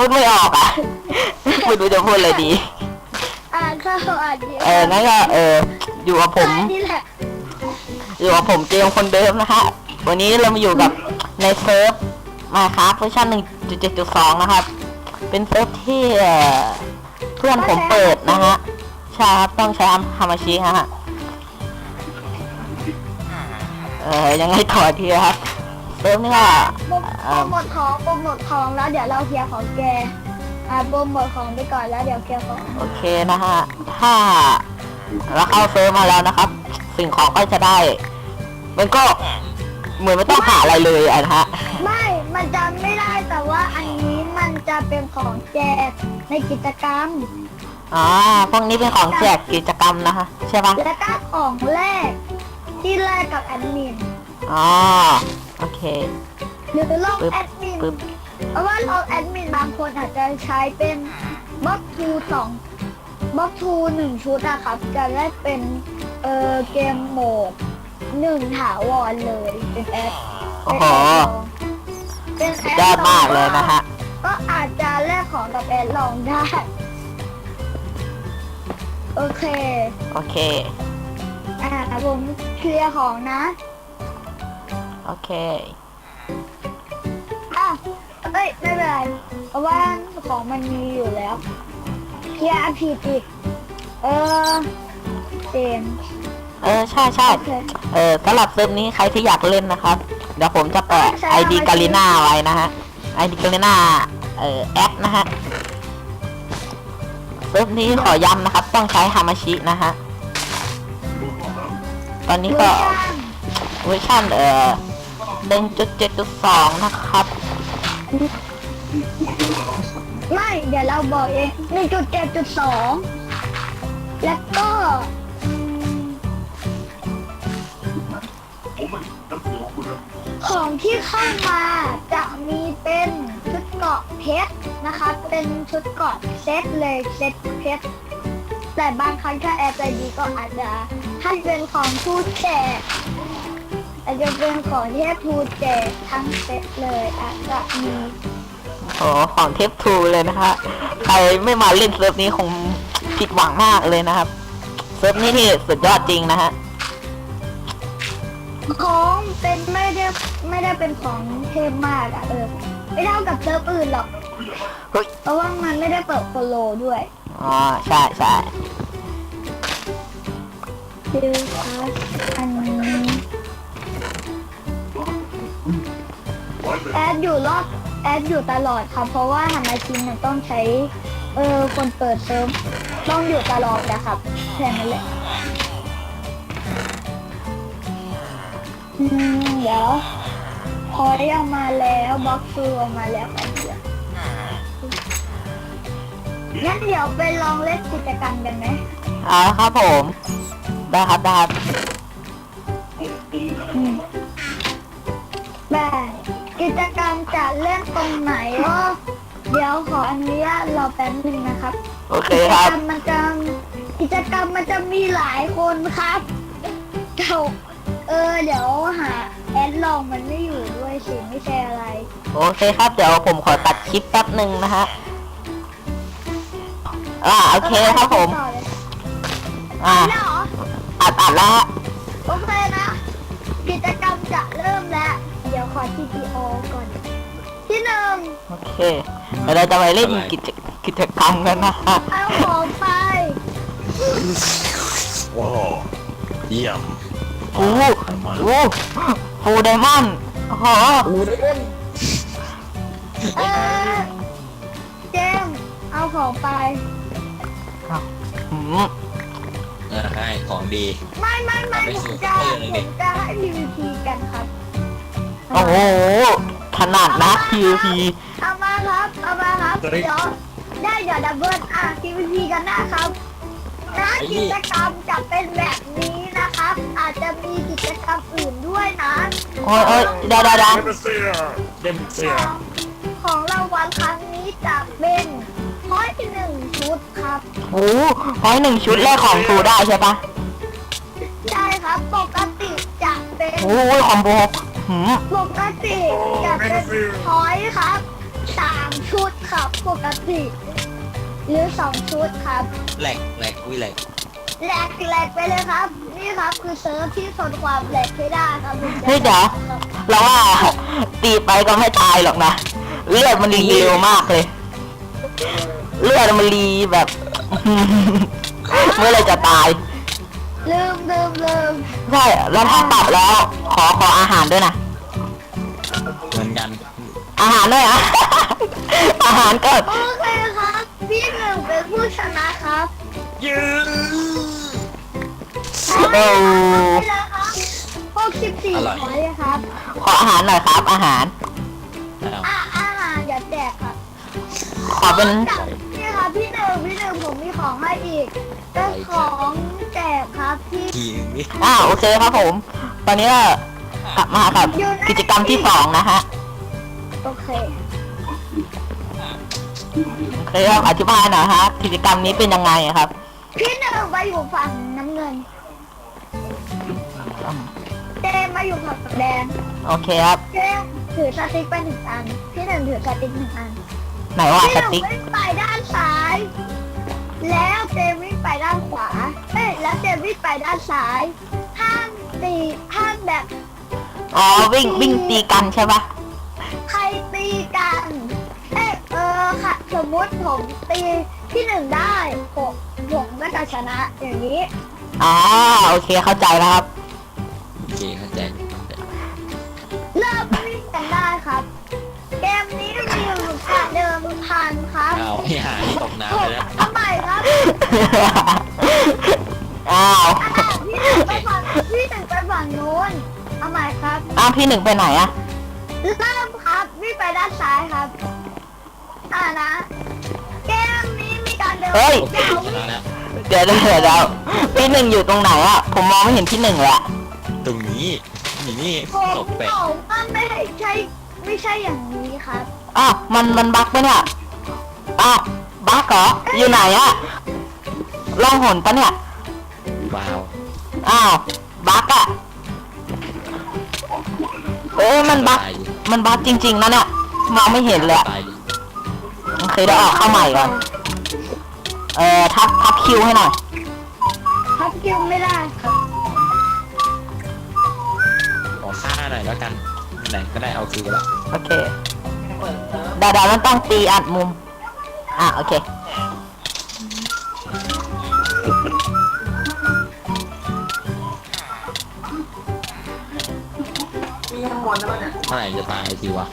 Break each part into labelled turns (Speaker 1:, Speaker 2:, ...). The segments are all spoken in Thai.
Speaker 1: พูดไม่ออกอ่ะไม่รู้จะพูดอะไรดี
Speaker 2: ก็อ่านดี
Speaker 1: งั้นก็อยู่กับผม
Speaker 2: นี่แหละ
Speaker 1: อยู่กับผมเกมคนเดิมนะฮะวันนี้เรามาอยู่กับในเซิร์ฟมาครับเวอร์ชัน 1.7.2 นะครับเป็นเซิร์ฟที่เพื่อนผมเปิดนะฮะใช่ครับต้องใช้ฮามาชิฮะยังไงต่อทีครับเซิร์ฟนี่ก็
Speaker 2: โปรโมทของแล้วเดี๋ยวเราเคลียร์ของแกโปรโมทของไปก่อนแล้วเดี๋ยวเคลียร์ของ
Speaker 1: โอเคนะฮะถ้าเราเข้าเซิร์ฟมาแล้วนะครับสิ่งของก็จะได้มันก็เหมือนไม่ต้องหาอะไรเลยนะฮะ
Speaker 2: ไม่มันจะไม่ได้แต่ว่าอันนี้มันจะเป็นของแจกในกิจกรรม
Speaker 1: พวกนี้เป็นของแจกกิจกรรมนะฮะใช่ปะ
Speaker 2: แล้วก็ของแรกที่แรกกับแอดมิน
Speaker 1: โอเค
Speaker 2: หรือลองแอดมินเพราะว่าลองแอดมินบางคนอาจจะใช้เป็นบล็อกทู1 ชุดนะครับจะได้เป็นเกมโหมด1ถาวรเลยเป็นแอด
Speaker 1: โอ้โหยอดมากเลยนะฮะ
Speaker 2: ก็อาจจะแลกของกับแอดลองได้โอเคผมเคลียร์ของนะ
Speaker 1: โอเค
Speaker 2: ไม่เป็นไรเพราะว่าของมันมีอยู่แล้วเคลียร์ผิดอีกเจม
Speaker 1: ใช่สำหรับเซิร์ฟนี้ใครที่อยากเล่นนะครับเดี๋ยวผมจะแปะ ID กาลิน่าไว้นะฮะ ID กาลิน่าแอดนะฮะเซิร์ฟนี้ขอย้ำนะครับต้องใช้ฮามาชินะฮะตอนนี้ก็เวอร์ชัน1.7.2 นะครับ
Speaker 2: ไม่เดี๋ยวเราบอกเอง 1.7.2 แล้วก็ของที่เข้ามาจะมีเป็นชุดเกราะเพชรนะคะเป็นชุดเกราะเซตเลยเซตเพชรแต่บางครั้งถ้าแอร์ใจดีก็อาจจะให้เป็นของทูตแจกอาจจะเป็นของเทพทูตแจกทั้งเซตเลยอาจจะมี
Speaker 1: ของเทพทูเลยนะฮะใครไม่มาเล่นเซิร์ฟนี้คงผิดหวังมากเลยนะครับเซิร์ฟนี้ที่สุดยอดจริงนะฮะ
Speaker 2: ของเป็นไม่ได้เป็นของเทพมากไม่เท่ากับเซิร์ฟอื่นหรอกเพราะว่ามันไม่ได้เปิดโปโลด้วย
Speaker 1: ใช่
Speaker 2: ดูครับอันนี้แอดอยู่ตลอดครับเพราะว่าฮามาชินต้องใช้คนเปิดเซิร์ฟต้องอยู่ตลอดนะครับแค่นั้นแหละเดี๋ยวพอได้ออกมาแล้วบล็อกซูออกมาแล้วกันเดี๋ยวงั้นเดี๋ยวไปลองเล่นกิจกรรมกันไหม
Speaker 1: ครับผมได้ครับแบบ
Speaker 2: กิจกรรมจะเล่นตรงไหนเดี๋ยวขออนุญาตรอแป๊บนึงนะครับ
Speaker 1: โอเคครับ
Speaker 2: กิจกรรมมันจะมีหลายคนครับเดี๋ยวหาแอดลองมันไม่อยู่ด้วยสิไม่ใช่อะไร
Speaker 1: โอเคครับเดี๋ยวผมขอตัดคลิปแป๊บหนึ่งนะฮะโอเคครับผมอัดแล้ว
Speaker 2: โอเคนะกิจกรรมจะเริ่มแล้วเดี๋ยวขอ TPO ก่อนที่1
Speaker 1: โอเคเราจะไปเล่นกิจกรรมกันนะฮะ
Speaker 2: เอาของไป
Speaker 3: ว้าวเยี่ยม
Speaker 1: ฟูไดมอนด์
Speaker 2: เจมเอาของไป
Speaker 3: ให้ของดี
Speaker 2: ไม่ผมจะให้ PVP กันครับ
Speaker 1: โอ้โหขนาดนะ PVP
Speaker 2: เอามาครับเดี๋ยวดับเบิลPVP กันนะครับกิจกรรมจะเป็นแบบนี้นะครับอาจจะมีกิจกรรมอื่นด้วยนะ
Speaker 1: โอ้ย
Speaker 3: เดมเซีย
Speaker 2: ของรางวัลครั้งนี้จะเป็น1 ชุดครับ
Speaker 1: 1 ชุดแรกของทูได้ใช่ปะ
Speaker 2: ใช่ครับปกติจะเป็น
Speaker 1: คอมโบ
Speaker 2: ปกติจะเป็นพอยต์ครับ 3 ชุดครับปกติหรือ 2 ชุดครับ
Speaker 3: แหลกวิแหลก
Speaker 2: แหลกไปเลยครับ นี่ครับคือเซิร์ฟที่ทนความแหลกให้ได้ครับ
Speaker 1: เฮ้ยเดี๋ยวเราว่าตีไปก็ไม่ตายหรอกนะเลือดมันรีเร็วมากเลย เลือดมันรีแบบ เมื่อไรจะตาย
Speaker 2: ลืม
Speaker 1: ใช่แล้วถ้าตัดแล้ว ขออาหารด้วยนะ
Speaker 3: เหมือนกัน
Speaker 1: อาหารด้วยอ่ะ อาหารก็
Speaker 2: โอเคครับพี่หนึ่งเป็นผู้ชนะครับ
Speaker 3: ยืน
Speaker 1: โอ้
Speaker 2: ไปเลยครับ64ขอเลยครับ
Speaker 1: ขออาหารหน่อยครับ อาหาร
Speaker 2: อาหารอย่าแจกครับ
Speaker 1: ขอเป็น
Speaker 2: นี่ครับพี่หนึ่งผมมีของให้อีกเป็นของแจกครับที่
Speaker 3: ทีนี้
Speaker 1: โอเคครับผม ตอนนี้ก็กลับมากับกิจกรรมที่2นะฮะ
Speaker 2: โอเค
Speaker 1: โอเคครับอธิบายหน่อยฮะกิจกรรมนี้เป็นยังไงอะครับ
Speaker 2: พี่หนึ่งมาอยู่ฝั่งน้ำเงินเจมมาอยู่ฝั่งแดง
Speaker 1: โอเคครับ
Speaker 2: เจมถือสติ๊กไป1 อันพี่หนึ่งถือสติ๊ก1 อัน
Speaker 1: ไหนว่า
Speaker 2: พี่ห
Speaker 1: ส
Speaker 2: นึ่ง
Speaker 1: ติ๊ก
Speaker 2: วิ่งไปด้านซ้าย แล้วเจมวิ่งไปด้านขวาแล้วเจมวิ่งไปด้านซ้ายห้ามแบบ
Speaker 1: อ๋อวิ่งตีกันใช่ปะ
Speaker 2: ใครตีกันค่ะ สมมุติผมตีที่ 1ได้ผมก็จะชนะอย่างนี้
Speaker 1: อ๋อโอเคเข้าใจแล้วครับ
Speaker 3: โอเคเข้าใจ
Speaker 2: เริ่มวิ่งกันได้ครับ เกมนี้มีอยู่การเดิมพันครับ
Speaker 3: เอาให้หายตกน้ำไปแล้ว
Speaker 2: ทำไมครับ
Speaker 1: อ้าว
Speaker 2: พี่หนึ่งไปฝั่งนู้นทำไมครับ
Speaker 1: พี่หนึ่งไปไหนอะ
Speaker 2: เริ่มครับวิ่งไปด้านซ้ายครับนะเกมนี้มีการเดิน
Speaker 1: เฮ้ย
Speaker 3: โอเค
Speaker 2: ยาว
Speaker 3: ชนะแล้ว
Speaker 1: เดี๋ยวพี่หนึ่งอยู่ตรงไหนอะผมมองไม่เห็นพี่หนึ่งเลยอะ
Speaker 3: ตรงนี้นี่
Speaker 2: ผม
Speaker 3: ตกแปะ
Speaker 2: ว่าไม่ใช่อย่างนี้ครับ
Speaker 1: มันบั๊กปะเนี่ยบั๊กเหรออยู่ไหนอะล่องหนปะเนี่ย
Speaker 3: ว้าว
Speaker 1: บั๊กอะมันบั๊กจริงๆนะเนี่ยมองไม่เห็นเลยอะ
Speaker 3: ตายดิ
Speaker 1: โอเคเดี๋ยวออกเข้าใหม่ก่อนทับคิวให้หน่อย
Speaker 2: พับคิวไม่ได้ครับ
Speaker 3: ขอฆ่าหน่อยแล้วกันไหนก็ได้เอาคืนแล้ว
Speaker 1: โอเคดามันต้องตีอัดมุมโอเค
Speaker 3: เมื่อไหร่จะตายทีวะ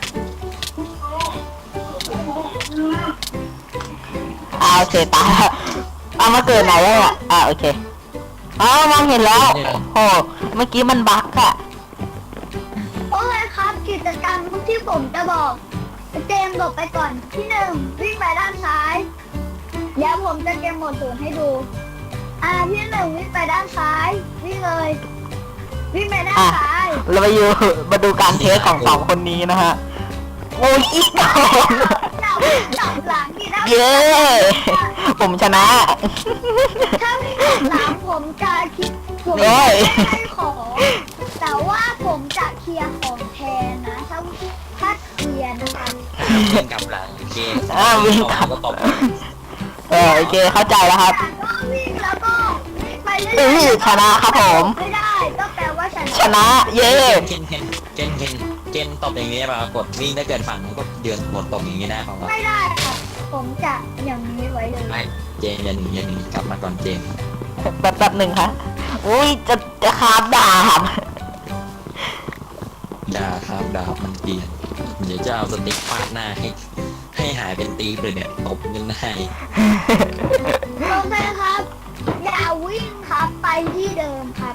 Speaker 1: โอเคตายแล้วมาเกิดไหนแล้วเนี่ยโอเคมองเห็นแล้วโอ้เมื่อกี้มันบั๊กอะ
Speaker 2: โอเคครับกิจกรรมที่ผมจะบอกเจมส์หลบไปก่อนที่ 1วิ่งไปด้านซ้ายเดี๋ยวผมจะเกมโหมด0ให้ดูที่ 1วิ่งไปด้านซ้ายวิ่งเลยวิ่งไปด้านซ้าย
Speaker 1: เรามาดูการเทสของ2 คนนี้นะฮะโอ้ยอีกโดน
Speaker 2: จับหลังนี่นะ
Speaker 1: เย้ ผมชนะ
Speaker 2: ถ้าวิ่งจับหลังผมจะคิดผม
Speaker 1: โอ้
Speaker 2: จะ
Speaker 1: ย
Speaker 2: ให้ของแต่ว่าผมจะเคลียร์ของแทนนะถ้าเคลียร์นะคะ
Speaker 3: วิ่งกลับหลังโอเค
Speaker 1: วิ่งกลับ
Speaker 3: ก็ตบ
Speaker 1: โอเคเข้าใจแล้วครับ
Speaker 2: ก็วิ่งแล้วก็วิ่งไปเรื่อยๆ
Speaker 1: ชนะครับผม
Speaker 2: ไม่ได้ก็แปลว่าชนะ
Speaker 1: ชนะ เย้
Speaker 3: เกนตบอย่างนี้ป่ะกดวิ่งถ้าเกิดฝั่งนั้นก็เดือนกดตบอย่างนี้ได้ป่ะวะ
Speaker 2: ไม่ได้ครับผมจะอย่างนี้ไว้เลย
Speaker 3: ไม่เจนอย่าหนีกลับมาก่อนเจน
Speaker 1: แป๊บหนึ่งครับอุ้ยจะคาบด่าครับ
Speaker 3: ด่าครับด่ามันเกลียนเดี๋ยวจะเอาสติ๊กฟาดหน้าให้หายเป็นตีบเลยเนี่ยตบยังได้
Speaker 2: โอเคครับ อย่าวิ่งครับไปที่เดิมครับ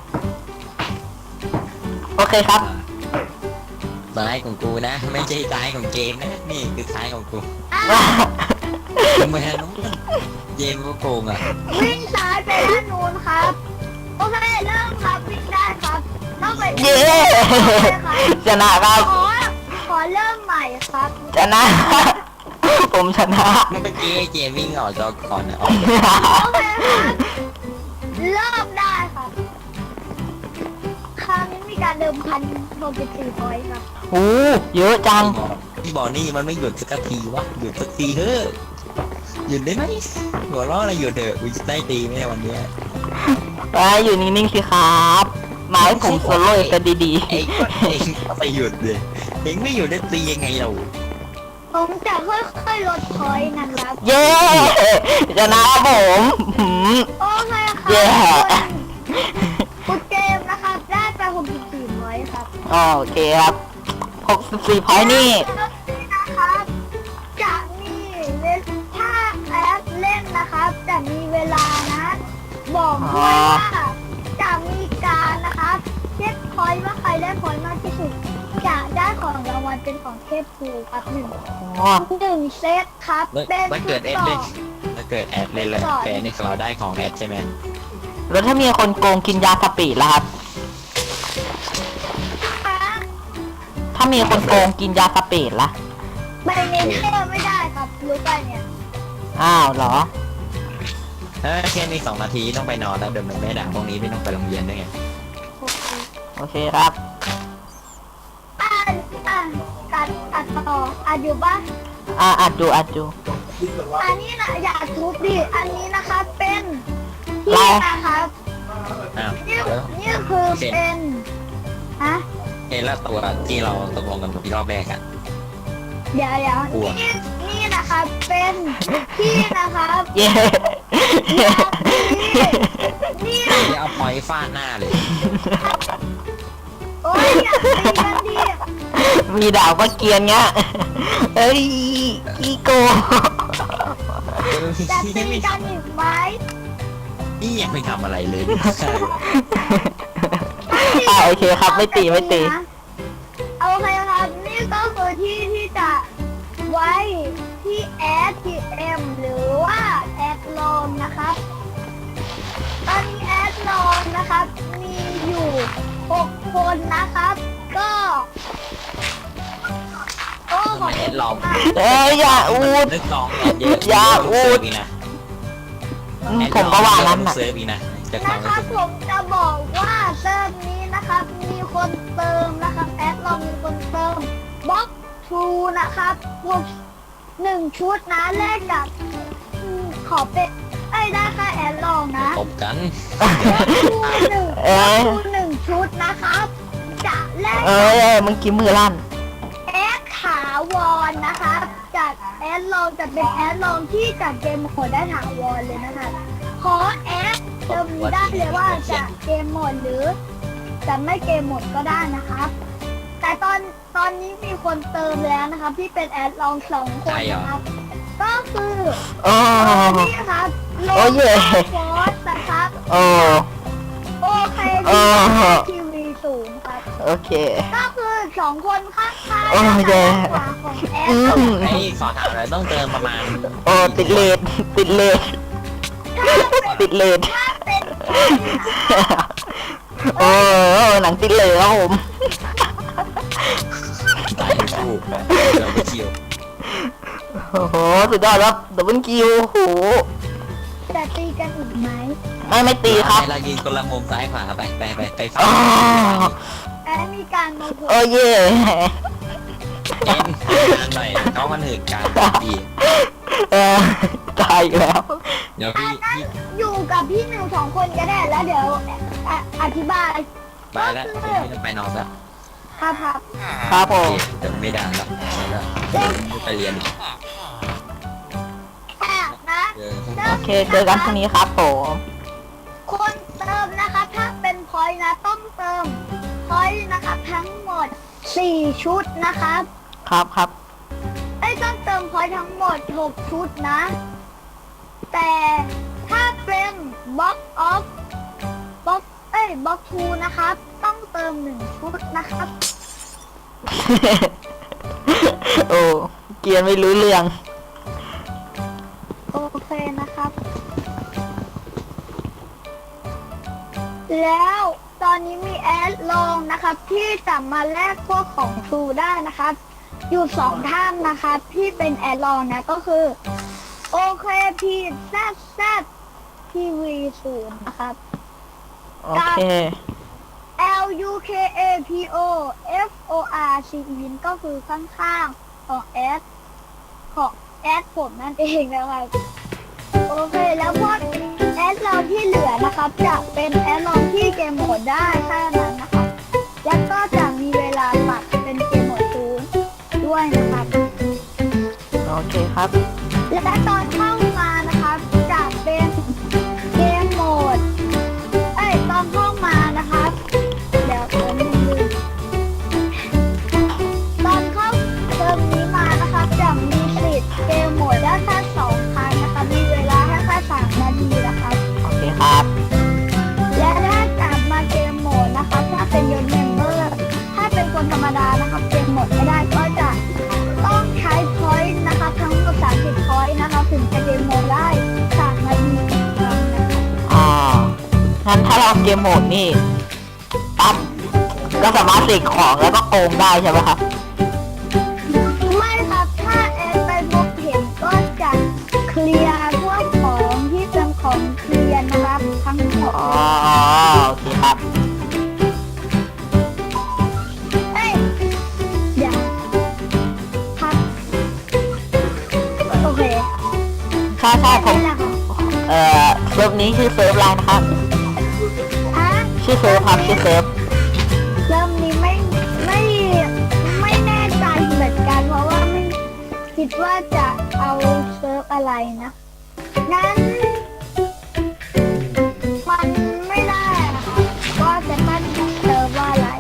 Speaker 1: โอเคครับ
Speaker 3: ซ้ายของกูนะ ไม่ใช่ซ้ายของเจมนะนี่คือซ้ายของกู ทำไมฮะน้องเจมก็โกงอ่ะ
Speaker 2: วิ่งซ้ายไปด้านนู้นครับโอเคเริ่มครับวิ่งได้ครับต้องไป
Speaker 1: เย้ ชนะครับ
Speaker 2: ขอเริ่มใหม่ครับ
Speaker 1: ชนะ ผมชนะ
Speaker 3: เมื่อกี้ไอ้เจมวิ่งออกจอก่อนนะออก
Speaker 2: โอเคครับเริ่มได้ครับคราวนี้มีการเดิมพัน64พอยต์ครับ
Speaker 1: โอ้เยอะจัง
Speaker 3: พที่บอกนี่มันไม่หยุดสักทีวะหยุดสักทีเถอะหยุดได้ไหมหัวเราะอะไรหยุดเถอะกูจะได้ตีไหมวันเนี้ย
Speaker 1: อยู่นิ่งๆสิครับมาให้ผมโซโล่กันดี
Speaker 3: เองก็เองก็ไปหยุดเลยเองไม่หยุดได้ตียังไงเรา
Speaker 2: ผมจะค่อยๆลดพอยต์นะครับ
Speaker 1: ๆ เย้ชนะครับผมหืม
Speaker 2: โอเคค
Speaker 1: เย้
Speaker 2: รับคุณเกมนะครับได้ไป64พอยต์ครับ
Speaker 1: โอเคครับ64พอยต์นี่
Speaker 2: นะครับจะมีถ้าแอปเล่นนะครับจะมีเวลานะบอกด้วยว่าจะมีการนะครับเช็คพอยต์ว่าใครได้พอยต์มากที่สุดจะได้ของรางวัลเป็นของเทพภูครับหนึ่งเซตครับเป็น
Speaker 3: ถ้าเกิดแอดเล่นถ้าเกิดแอดเล่นเลยแฟนนี่เราได้ของแอดใช่ไหม
Speaker 1: แล้วถ้ามีคนโกงกินยาสปีดล่ะครับ ถ้ามีคนโกงกินยาสปีดล่ะ
Speaker 2: ใบเมนเทอร์ไม่ได้ครับรู้ป่ะเนี่ย
Speaker 1: อ้าวเหรอ
Speaker 3: แค่นี้2 นาทีต้องไปนอนแล้วเดี๋ยวมันไม่ด่าพวกนี้ไม่ต้องไปโรงเรียนด้วยไง
Speaker 1: โอเคครับ
Speaker 2: ตัดต่ออยู่ป่ะ
Speaker 1: อัดดู
Speaker 2: อันนี้นะอย่าทุบดิอันนี้นะคะเป็นที่
Speaker 1: เรา
Speaker 2: นะครับ
Speaker 3: อ้าว
Speaker 2: นี่คือเป็นฮะ
Speaker 3: เห็นแล้วตัวที่เราตกลงกันที่รอบแรกอะ
Speaker 2: เดี๋ยว
Speaker 3: กลัว
Speaker 2: นี่นะคะเป็นที่นะครับ
Speaker 1: เย้
Speaker 2: นี่
Speaker 3: จะเอาพอยฟาดหน้าเลย
Speaker 2: โอ้ยอย่าตีกันดิ
Speaker 1: มีดาวก็เกรียนเงี้ยเอ้ยอีโก
Speaker 2: จะตีกันอีกไหม
Speaker 3: นี่ยังไม่ทำอะไรเลย
Speaker 1: โอเคครับไม่ตี
Speaker 2: โอเคครับนี่ก็คือที่จะไว้ที่ ATM หรือว่าแอดลอนนะครับตอนนี้แอดลอนนะครับมีอยู่6คนนะครับก็โอ้ขอบ
Speaker 3: แอ
Speaker 2: คุณ
Speaker 3: ดลอง
Speaker 2: มาก
Speaker 1: เอ้ยอย่าอูด
Speaker 3: นึกลองแอดเยอะ
Speaker 1: อย่าอูด
Speaker 3: อีกนะ
Speaker 1: ผมก็ว่านั้น
Speaker 3: น่ะ
Speaker 1: น่ะ
Speaker 3: เซิร์ฟอีกนะจะความ
Speaker 2: นะครับผมจะบอกว่าเซิร์ฟนี้นะครับมีคนเติมนะครับแอดลอนมีคนเติมบล็อกทูนะครับพวก1 ชุดนะแลกกับขอเป็นได้ค่าแอดลองนะ
Speaker 3: ตบกัน
Speaker 1: เอ้ย
Speaker 2: หนึ่งชุดนะครับ จะแลก
Speaker 1: เอ้ยมึงกินมือลั่น
Speaker 2: แอดถาวรนะครับจากแอดลองจะเป็นแอดลองที่จากเกมโหมดได้ถาวรเลยนะคะขอแอดเติมได้เลยว่าจะเกมโหมดหรือจะไม่เกมโหมดก็ได้นะครับ แต่ตอนนี้มีคนเติมแล้วนะครับ ที่เป็นแอดลอง2 คนนะครับ ก็คือ
Speaker 1: โอ้
Speaker 2: นี่ครับโล
Speaker 1: โอ้เย่
Speaker 2: ฟอสนะครับ
Speaker 1: โอ้
Speaker 2: โอเค
Speaker 1: โอ้
Speaker 2: ทีวีสูงครับ
Speaker 1: โอเค
Speaker 2: ก็คือ2 คนข้างๆ
Speaker 1: โอ้เย่
Speaker 2: ขวาของแอ
Speaker 1: อื
Speaker 2: ด
Speaker 1: ม
Speaker 3: ไอ้ขอถามเลยต้องเติมประมาณ
Speaker 1: โอ้ติดเลดติดเลดติดเลด
Speaker 2: ถ้าเป็น
Speaker 1: โอ้หนังติดเลดครับผม
Speaker 3: ตายคู่เราไปเที่ยว
Speaker 1: โอ้โหสุดยอดครับดับเบิลคิวโอ้โห
Speaker 2: จะตีกันอีกไหม
Speaker 1: ไม่ตีครับ
Speaker 3: เรายืนคนละมุมซ้ายขวาไปฝั่
Speaker 1: อ๋อง
Speaker 2: แอดมีการโมโห
Speaker 1: โอ้เย่
Speaker 3: เอ็นหน่อยน้องมันหืดการดี
Speaker 1: เออตายอีกแล้ว
Speaker 3: เดี๋ยวพี่
Speaker 2: อยู่กับพี่หนึ่ง2 คนก็ได้แล้วเดี๋ยวอธิบาย
Speaker 3: ไปแล้วพี่ต้องไปนอนแล้ว
Speaker 2: ครับ
Speaker 1: ครับผม
Speaker 3: เดี๋ยวไม่ด่าแล้วไปเรียน
Speaker 2: แอบนะ
Speaker 1: โอเคเจอกันพรุ่งนี้ครับผม
Speaker 2: คนเติมนะคะถ้าเป็นพอยต์นะต้องเติมพอยต์นะคะทั้งหมด4 ชุดนะครับ
Speaker 1: ครับ
Speaker 2: ต้องเติมพอยต์ทั้งหมด6 ชุดนะ แต่ถ้าเป็นบ็อกออฟบ็อกทูนะครับต้องเติม1 ชุดนะครับ
Speaker 1: โอ้เกียนไม่รู้เรื่อง
Speaker 2: โอเคนะครับ แล้วตอนนี้มีแอดลองนะครับ ที่จะมาแลกพวกของทรูได้นะครับ อยู่2 ท่านนะครับที่เป็นแอดลองนะก็คือโอเคพีแซดทีวีศูนย์นะครับ
Speaker 1: โอเค
Speaker 2: LUKAPO FORC ก็คือข้างๆของแอดของแอดผมนั่นเองนะครับโอเคแล้วพวกแอดเราที่เหลือนะครับจะเป็นแอดลองที่เกมโหมดได้แค่นั้นนะครับแล้วก็จะมีเวลาปัดเป็นเกมโหมดศูนย์ด้วยนะครับ
Speaker 1: โอเคครับ
Speaker 2: และตอนเข้ามานะครับจะเป็นเกมโหมดตอนเข้ามานะครับเดี๋ยวผมลืมตอนเข้าเติมนี้มานะครับจะมีสิทธิ์เกมโหมดได้แค่2 ครั้งนะครับมีเวลาแค่3 นาทีนะครับ
Speaker 1: โอเคครับ
Speaker 2: และถ้ากลับมาเกมโหมดนะครับถ้าเป็นยศเมมเบอร์ถ้าเป็นคนธรรมดานะครับเกมโหมดไม่ได้ก็จะต้องใช้พอยต์นะครับทั้งหมด30 พอยต์นะครับถึงจะเกมโหมดได้3 นาทีนะครับ
Speaker 1: อ๋อ งั้นถ้าเราเกมโหมดนี่ปั๊บก็สามารถเสกของแล้วก็โกงได้ใช่ไหมครับ
Speaker 2: ไม่ครับถ้าแอดไปพบเห็นก็จะเคลียร์พวกของที่เป็นของเคลียร์นะครับทั้งหมด
Speaker 1: อ๋อ โอเคครับ
Speaker 2: เดี๋ยวครับโอเค
Speaker 1: ใช่ผม
Speaker 2: นั่นแหละครับ
Speaker 1: เซิร์ฟนี้ชื่อเซิร์ฟอะไรนะครับ
Speaker 2: ฮะ
Speaker 1: ชื่อเซิร์ฟครับชื่อเซิร์ฟ
Speaker 2: เริ่มนี้ไม่แน่ใจเหมือนกันเพราะว่าไม่คิดว่าจะเอาเซิร์ฟอะไรนะงั้นมันไม่ได้นะครับว่าจะตั้งเซิร์ฟว่าอะไร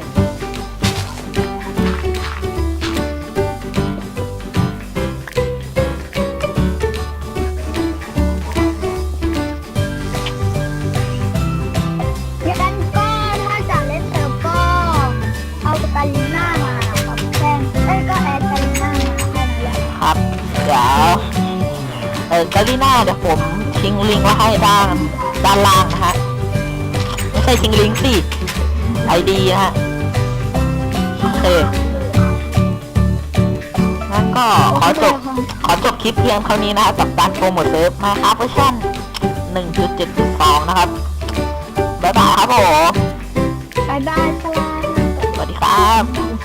Speaker 2: งั้นก็ถ้าจะเล่นเซิร์ฟก็เอากาลิน่ามาครับแค่ก็แอดกาลิน่ามาแค่นั้นแหละ
Speaker 1: ครับ เดี๋ยวกาลิน่าเดี๋ยวผมทิ้งลิงก์ไว้ให้ด้านล่างนะฮะ ไม่ใช่ทิ้งลิงก์สิไอดีนะฮะ โอเค งั้นก็ขอจบคลิปเพียงเท่านี้นะครับกับการโปรโมทเซิร์ฟมาครับเวอร์ชัน 1.7.2 นะครับ บ๊ายบายครับผม
Speaker 2: บ๊ายบายครับ
Speaker 1: สวัสดีครับ